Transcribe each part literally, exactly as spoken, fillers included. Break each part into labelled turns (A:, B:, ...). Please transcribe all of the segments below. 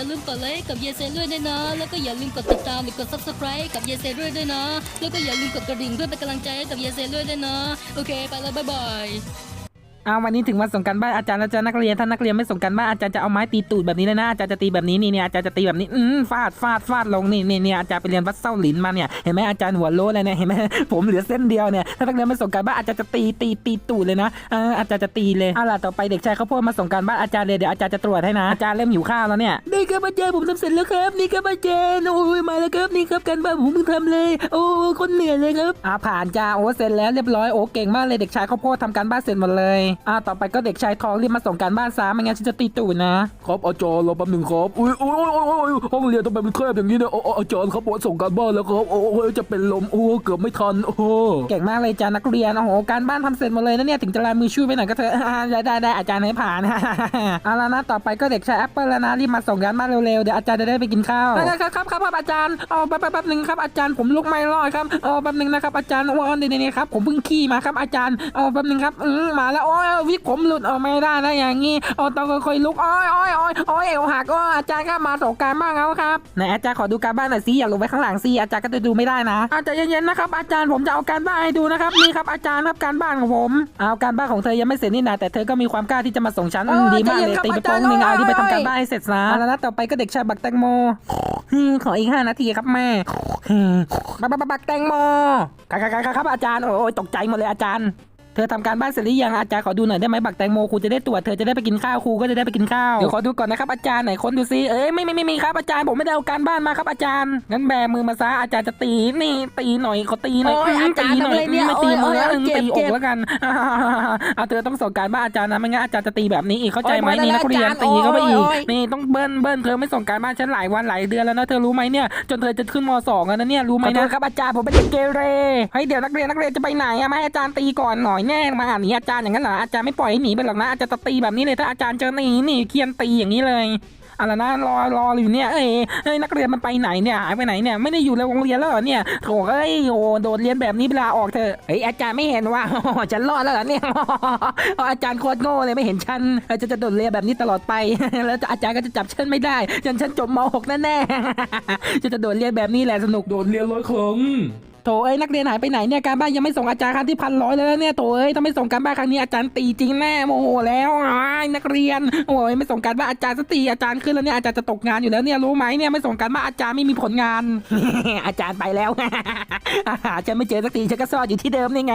A: อย่าลืมกดไลค์กับเยเซด้วยด้วยนะแล้วก็อย่าลืมกดติดตามหรือกด ซับสไครบ์ กับเยเซด้วยด้วยนะแล้วก็อย่าลืมกดกระดิ่งเพื่อเป็นกำลังใจให้กับเยเซด้วยด้วยนะโอเคไปแล้วบ๊ายบาย
B: เอาวันนี้ถึงวันส่งการบ้านอาจารย์แล้วจ้ะนักเรียนถ้านักเรียนไม่ส่งการบ้านอาจารย์จะเอาไม้ตีตูดแบบนี้เลยนะอาจารย์จะตีแบบนี้นี่เนี่ยอาจารย์จะตีแบบนี้อืมฟาดฟาดฟาดลงนี่นี่เนี่ยอาจารย์ไปเรียนวัดเส้าหลินมาเนี่ยเห็นไหมอาจารย์หัวโล้เลยเนี่ยเห็นไหมผมเหลือเส้นเดียวเนี่ยถ้านักเรียนไม่ส่งการบ้านอาจารย์จะตีตีตีตูดเลยนะเอออาจารย์จะตีเลยเอาล่ะต่อไปเด็กชายข้าวโพดมาส่งการบ้านอาจารย์เลยเดี๋ยวอาจารย์จะตรวจให้นะอาจารย์เริ่มหิวข้าวแล้วเนี่ยนี่ครับอาจารย์ผมทำเสร็จแล้วครับนี่ครับอาจารย์โอ้ยมาแล้วครับนี่ครับการบ้านผมเพิ่งทำเลยโอ้คนเหนื่อยเลยครับอ่าผ่านจ้าโอ้เสร็จแล้วเรียบร้อยโอ้เก่งมากเลยเด็กชายข้าวโพดทำการบ้านเสร็จหมดเลยอ่าต่อไปก็เด็กชายทองรีบมาส่งการบ้านซะไม่งั้นฉันจะตีตูดนะครับ
C: อาจารย์รอแป๊บหนึ่งครับอุ้ยอุ้ยอุ้ยอุ้ยห้องเรียนทำไมมันแคบอย่างนี้เนี่ยอาจารย์ครับผมส่งการบ้านแล้วครับโอ้ยจะเป็นลมโอ้เกือบไม่ทันโอ้
B: เก่งมากเลยจ้านักเรียนโอ้โหการบ้านทำเสร็จหมดเลยนะเนี่ยถึงจะลายมือช่วยไปหน่อยก็เถอะได้ได้ได้อาจารย์ให้ผ่านเอาละนะต่อไปก็เด็กชายแอปเปิลแล้วนะรีบมาส่งการบ้านเร็วๆเดี๋ยวอาจารย์จะได้ไปกินข้าวครับครับครับอาจารย์เอาแป๊บแป๊บหนึ่งครับอาจารย์ผมลุกไม่รอดครับเอาแป๊บหนึ่งนะครับอาจารย์ว่านี่นี่ครับผมเพิ่งขี่มาครับอาจารย์เอาแป๊บหนึ่งครับมาแล้วโอ้ยวิกผมหลุดออกไม่ได้นะอย่างงี้เอาต้องค่อยๆลุกโอ้ยโอ้ยโอ้ยโอ้ยเอวหักก็อาจารย์ก็มาส่งการบ้านแล้วครับไหนอาจารย์ขอดูการบ้านหน่อยสิอย่าลงไปข้างหลังสิอาจารย์ก็จะดูไม่ได้นะอาจารย์เย็นๆนะครับอาจารย์ผมจะเอาการบ้านให้ดูนะครับนี่ครับอาจารย์ครับการบ้านของผมเอาการบ้านของเธอยังไม่เสร็จนี่นะแต่เธอก็มีความกล้าที่จะมาส่งฉันดีมากเลยตีไปโป้งหนึ่งเอาที่ไปทำการบ้านให้เสร็จซะแล้วนะต่อไปก็เด็กชายบักแตงโมขออีกห้านาทีครับแม่บักบักบักแตงโมครับครับอาจารย์โอ้ยตกใจหมดเลยอาจารย์เธอทำการบ้านเสร็จหรือยังอาจารย์ขอดูหน่อยได้ไหมบักแตงโมครูจะได้ตรวจเธอจะได้ไปกินข้าวครูก็จะได้ไปกินข้าวเดี๋ยวขอดูก่อนนะครับอาจารย์ไหนค้นดูซิเอ้ยไม่ไม่ไม่มีครับอาจารย์ผมไม่ได้เอาการบ้านมาครับอาจารย์งั้นแบมือมาซะอาจารย์จะตีนี่ตีหน่อยเขาตีหน่อยตีหน่อยไม่ตีมือตีอกแล้วกันเอาเธอต้องส่งการบ้านอาจารย์นะไม่งั้นอาจารย์จะตีแบบนี้อีกเข้าใจไหมนี่นักเรียนตีเข้าไปอีกนี่ต้องเบิ้ลเบิ้ลเธอไม่ส่งการบ้านฉันหลายวันหลายเดือนแล้วนะเธอรู้ไหมเนี่ยจนเธอจะขึ้นม.สองแล้วนะเนี่ยรู้ไหมนะครับอาจารย์ผมเป็นเด็กเกเรเฮ้ยเดี๋ยวนักเรียนนักเรียนจะไปไหนอะมาให้อาจารย์ตีก่อนหน่อยแน่มาอ่านนี้อาจารย์อย่างนั้นเหรออาจารย์ไม่ปล่อยให้หนีไปหรอกนะอาจารย์จะตีแบบนี้เลยถ้าอาจารย์เจอหนีหนีเคียนตีอย่างนี้เลยอะไรนะรอรออยู่เนี่ยเอ้ยเอ้ยนักเรียนมันไปไหนเนี่ยหายไปไหนเนี่ยไม่ได้อยู่ในโรงเรียนแล้วเหรอเนี่ยโถ่เอ้ยโอ้โดดเรียนแบบนี้เวลาออกเถอะเฮ้ยอาจารย์ไม่เห็นว่าฉันรอดแล้วเหรอเนี่ยอาจารย์โคตรโง่เลยไม่เห็นฉันจะจะโดดเรียนแบบนี้ตลอดไปแล้วอาจารย์ก็จะจับฉันไม่ได้ฉันฉันจบม หก แน่ๆจะจะโดดเรียนแบบนี้แหละสนุก
C: โดดเรียนร้อยครั้ง
B: โถเอ้ยนักเรียนหายไปไหนเนี่ยการบ้านยังไม่ส่งอาจารย์ครั้งที่พันร้อยเลยเนี่ยโถเอ้ยถ้าไม่ส่งการบ้านครั้งนี้อาจารย์ตีจริงแน่โมโหแล้วนักเรียนโอ้ยไม่ส่งการบ้านอาจารย์สตีอาจารย์ขึ้นแล้วเนี่ยอาจารย์จะตกงานอยู่แล้วเนี่ยรู้ไหมเนี่ยไม่ส่งการบ้านอาจารย์ไม่มีผลงาน อาจารย์ไปแล้ว ฉันไม่เจอสักทีฉันก็ซ่อนอยู่ที่เดิมนี่ไง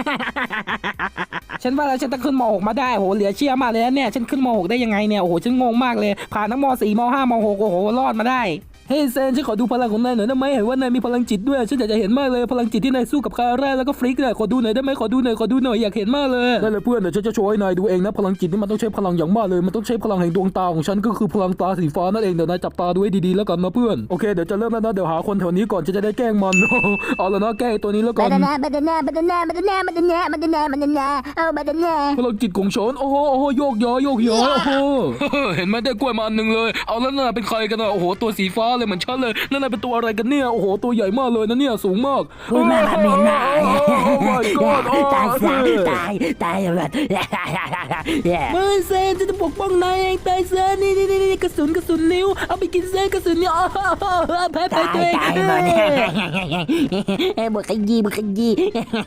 B: ฉันว่าแล้วฉันจะขึ้นม หกมาได้โหเหลือเชื่อมากเลยเนี่ยฉันขึ้นม หกได้ยังไงเนี่ยโอ้โหฉันงงมากเลยผ่านทั้งม สี่ม ห้าม หกโอ้โหรอดมาได้
C: เฮ้ยเซนฉันขอดูพลังของนายหน่อยได้ไหมเห็นว่านายมีพลังจิตด้วยฉันอยากจะเห็นมากเลยพลังจิตที่นายสู้กับคาร่าแล้วก็ฟลิกเนี่ยขอดูหน่อยได้ไหมขอดูหน่อยขอดูหน่อยอยากเห็นมากเลยได้เลยเพื่อนเดี๋ยวฉันจะโชว์ให้นายดูเองนะพลังจิตนี่มันต้องใช้พลังอย่างมากเลยมันต้องใช้พลังแห่งดวงตาของฉันก็คือพลังตาสีฟ้านั่นเองเดี๋ยวนายจับตาดูให้ดีๆแล้วกันนะเพื่อนโอเคเดี๋ยวจะเริ่มแล้วนะเดี๋ยวหาคนแถวนี้ก่อนจะได้แกล้งมันเอาละนะแกล้งตัวนี้แล้วกัน
D: บัดนาบัดนาบัดนาบัดนาบัดนาบัดนาบัดนาเอาบัดนา
C: พลังจิตของฉันโอ้โหโอ้โหโยกย้อยโยกย้อยโอ้โหเห็นไหมได้กล้วยมาอันหนึ่งเลยเอาแล้วน่ะเป็นใครกันอ่ะโอ้โหตัวสีฟ้าเลยเหมือนฉันเลยนั่นน่ะเป็นตัวอะไรกันเนี่ยโอ้โหตัวใหญ่มากเลยนะเนี่ยสูงมาก
D: โอ้ยมาเมนมาตายซะตายตายแบบ
B: ไม่เซนจะปกป้องนายเองตายซะนี่นี่นี่กระสุนกระสุนนิ้วเอาไปกินเซนกระสุนนิ้วแพ้แพ้ตัวเอง
D: ตายมาเนี่ยบุกขยี้บุกขยี้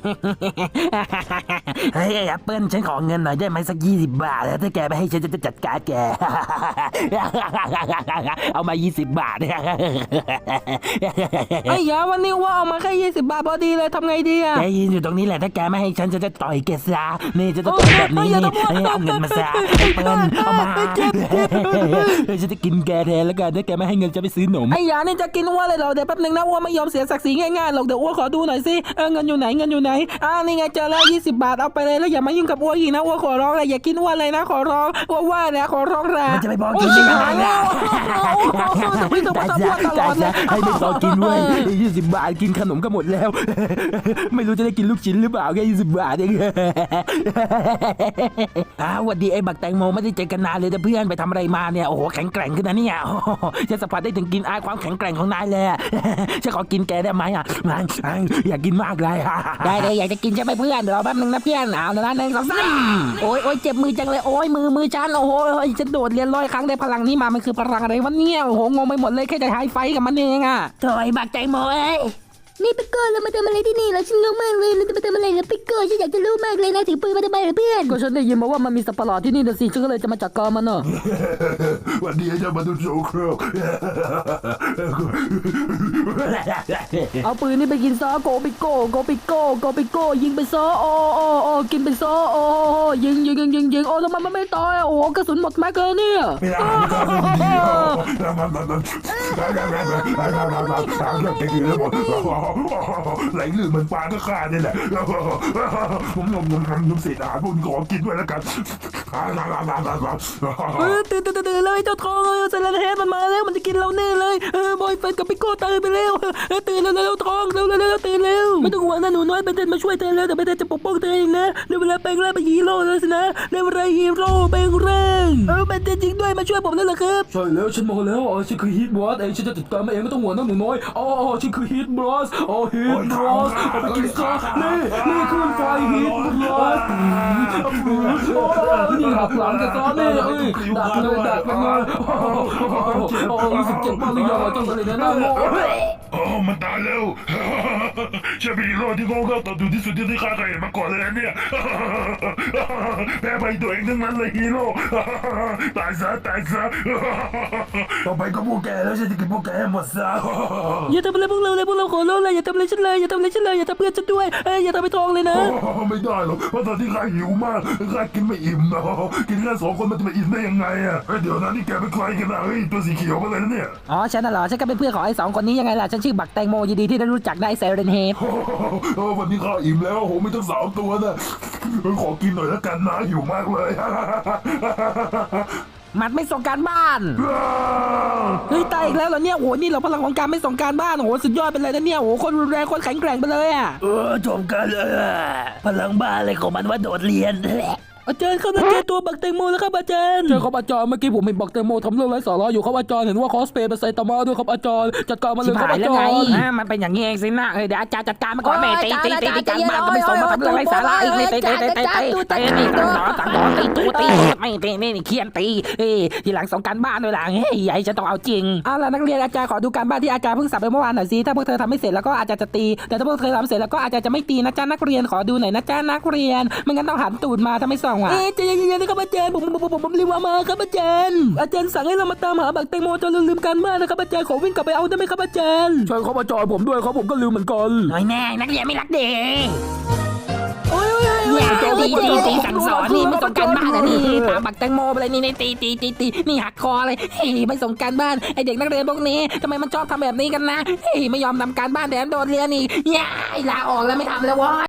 E: เฮ้ยแอปเปิ้ลฉันขอเงินหน่อยได้ไหมสักยี่สิบบาทแล้วถ้าแกไม่ให้ฉันจะจัดการแกเอามายี่สิบบาท
B: ไอ้ยาวันนี้ว่าเอามาแค่ยี่สิบบาทพอดีเลยทำไงดีอะ
E: แกยืนอยู่ตรงนี้แหละถ้าแกไม่ให้ฉันจะจะต่อยแกซะนี่จะต่อยแบบนี้นี่เอาเงินมาซะแอปเปิ้ลเอามาฉันจะกินแกแทนแล้วกันถ้าแกไม่ให้เงินจะไปซื้อหนม
B: ไอ้ยานี่จะกินอ้วนเลยเหรอเดี๋ยวแป๊บนึงนะอ้วนไม่ยอมเสียศักดิ์ศรีง่ายๆหรอกเดี๋ยวอ้วนขอดูหน่อยสิเออเงินอยู่ไหนเงินอยู่ไหนอ่านี่ไงเจอแล้วยี่สิบบาทเอาไปเลยแล้วอย่ามายุ่งกับอ้วนอีกนะอ้วนขอร้องเลยอย่ากินอ้วนเลยนะขอร้องอ้วนว่าเนี่ยขอร้องแรง
E: มันจะไปบอกกินได้ยังไงล่ะ
B: ไม่ต้องมาทำอ้วนตลอดเลย
E: ให้ไม่บอกกินเว้ยยี่สิบบาทกินขนมก็หมดแล้วไม่รู้จะได้กินลูกชิ้นหรือเปล่าแค่ยี่สิบบาทเองอ้าววันดีไอ้บักแตงโมไม่ได้เจอกันนานเลยแต่เพื่อนไปทำอะไรมาเนี่ยโอ้โหแข็งแกร่งขึ้นนะเนี่ยโอ้โหฉันสัมผัสได้ถึงกลินอายความแข็งแกร่งของนายเลยอะ ฉันขอกินแกได้ไหมอ่ะอยากกินมากเลย
B: ได้เลยอยากจะกินใช่ไหมเพื่อนเดี๋ยวรอแป๊บนึงนะเพื่อนเอาละหนึ่งสองสามโอ้ยโอ้ยเจ็บมือจังเลยโอ้ยมือมือฉันโอ้โหฉันโดดเรียนร้อยครั้งได้พลังนี้มามันคือพลังอะไรวะเนี่ยโอ้โหงงไปหมดเลยแค่จะไฮไฟกับมันเองอะ
D: ถอยบักใจโมเอ้ย
A: นี่ปิกเกอร์เรามาทำอะไรที่นี่แล้วฉันงงมากเลยเราจะมาทำอะไรกับปิกเกอร์ฉันอยากจะรู้มากเลยนะถือปืนมาทำไมเหรอเพื่อน
B: ก็ฉันได้ยินมาว่ามันมีสัตว์ประหลาดที่นี่นะสิฉันก็เลยจะมาจัดการมันเนอะ
F: วันนี้จะมาดูโชว์ครก
B: เอาปืนนี่ไปกินซะโกปิโก้โกปิโก้โกปิโก้ยิงไปซะโอ้โอ้โอ้กินไปซะโอ้ยิงยิงยิงยิงยิงโอ้ทำไมมันไม่ตายโอ้กระสุนหมดแม็กเลยเนี่ย
F: ไหลลื่นเหมือนปลาก็ขาดนี่แหละผมงมงมงมเศษอาหารพวกนี้ขอกินด้วยแล้วกัน
C: เออตื่นตื่นตื่นเลยเจ้าทองเออเซเลนเฮดมันมาแล้วมันจะกินเราแน่เลยเออบอยเฟนกับปิโก้ตื่นไปเร็วเออตื่นเร็วเร็วทองเร็วเร็วเร็วตื่นเร็วไม่ต้องห่วงนะหนูน้อยเบนเทนมาช่วยเธอแล้วแต่เบนเทนจะปกป้องเธอเองนะในเวลาแปลงร่างเป็นฮีโร่แล้วสินะในเวลาฮีโร่แปลงร่างเออเบนเทนจริงด้วยมาช่วยผมแล้วเหรอครับใช่แล้วฉันมาแล้วอ๋อฉันคือฮีทบอสเองฉันจะจัดการมันเองไม่ต้องห่วงนะหนูน้อยอ๋อฉันคือฮีทบอสอ๋อฮีทบอสเอาไปกินซะนี่นี่คือไฟฮีทบอสโอ้นี่หักหลังกันซะนี่เอ้ยดักเลยดักมันเลยโอ้รู้สึกเจ็บมากเลยยังต้องเลยนะน้าโม
F: โอ้มันตายแล้วฉันเป็นฮีโร่ที่โง่เง่าต่อดูที่สุดที่ได้ฆ่าใครมาก่อนเลยนะเนี่ยแพ้ไปตัวเองทั้งนั้นเลยฮีโร่ตายซะตายซะต่อไปก็พวกแกแล้วฉันจะกินพวกแกให้หมดซะ
C: อย่าทำอะไรพวกเราเลยพวกเราขอร้องเลยอย่าทำอะไรฉันเลยอย่าทำอะไรฉันเลยอย่าทำเพื่อนฉันด้วยเอ้ยอย่าทำไปทองเลยนะ
F: ไม่ได้หรอกเพราะตอนที่ข้าหิวมากข้ากินไม่อิ่มนะกินแค่สองคนมันจะไปอิ่มได้ยังไงอ่ะเดี๋ยวนะนี่แกเป็นใครกันนะเฮ้ยตัวสีเขียวมาเลยนะเนี่ย
B: อ๋อฉันน่ะเหรอฉันก็เป็นเพื่อนของไอ้สองคนนี้ยังไงล่ะฉันชื่อบักแตงโมยินดีที่ได้รู้จักนายเซเรนเฮด
F: โอ้วันนี้ข้าอิ่มแล้วโหมีตั้งสามตัวนะขอกินหน่อยแล้วกันนะหิวมากเลย
B: มันไม่ส่งการบ้านเฮ้ยตายอีกแล้วเหรอเนี่ยโอ้โหนี่เราพลังของการไม่ส่งการบ้านโอ้โหสุดยอดไปเลยนะเนี่ยโอ้โหคนรุนแรงคนแข็งแกร่งไปเลยอ่ะ
D: เออจบกันเลยพลังบ้าอะไรของมันว่าโดดเรียน
C: อาจารย์เข้ามาเจอตัวบักแตงโมแล้วครับอาจารย์ใช่ครับอาจารย์เมื่อกี้ผมเห็นบักแตงโมทำเรื่องไร้สาระอยู่ครับอาจารย์เห็นว่าคอสเพลย์เป็นไซตามะด้วยครับอาจารย์จัดการมาเล
B: ชิ
C: ย
B: บ
C: ครับ
B: หาย
C: อา
B: แล้ว
C: จาร
B: ไง
C: ย์
B: อ่ามันเป็นอย่างนี้เองสินะเฮ้ยเดี๋ยวอาจารย์จัดการมาก่อนแม่ตีตีตีตีการบ้านก็ไม่ส่งมาทำเรื่องไร้สาระอีกนี่ตีตีตีตีตีตีนี่สั่งสอนสั่งสอนตีตูตีไม่ตีนี่นี่เคียนตีเฮ้ยทีหลังส่งการบ้านด้วยหลังเฮ้ยใหญ่จะต้องเอาจริงเอาล่ะนักเรียนอาจารย์ขอดูการบ้านที่อาจารย์เพิ่งสั่งไปเมื่อวานหน่อยสิถ้าพวกเธอทำไม่เสร็จแล้วก็อาจจะจะตีแต่ถ้าพวกเธอทำเสร็จแล้วก็อาจจะจะไม่ตีนะจ๊ะนักเรียนขอดูหน่อยนะจ๊ะนักเรียนไม่งั้นต้องหันตูดมาถ้าไม่ส่งอ่ะ
C: เอ๊ะใจเย็นๆนะครับอาจารย์ผมผมผมผมรีบมาครับอาจารย์อาจารย์สั่งให้เรามาตามหาบักแตงโมจนเราลืมการบ้านนะครับอาจารย์ขอวิ่งกลับไปเอาได้ไหมครับอาจารย์ใช่ครับอาจารย์ผมด้วยครับผมก็ลืมเหมือนกัน
B: หน่อยแน่นักเรียนไม่รักเด็ก
C: โอ้ยโอ้ยโอ้ย
B: เนี่ยตีตีตีสั่งสอนนี่ไม่ส่งการบ้านนะนี่ตามบักแตงโมไปเลยนี่นี่ตีตีตีตีนี่หักคอเลยเฮ้ยไม่ส่งการบ้านไอเด็กนักเรียนพวกนี้ทำไมมันชอบทำแบบนี้กันนะเฮ้ยไม่ยอมทำการบ้านแถมโดนเรียนอีกเนี่ยลาออกแล้วไม่ทำแล้ววะ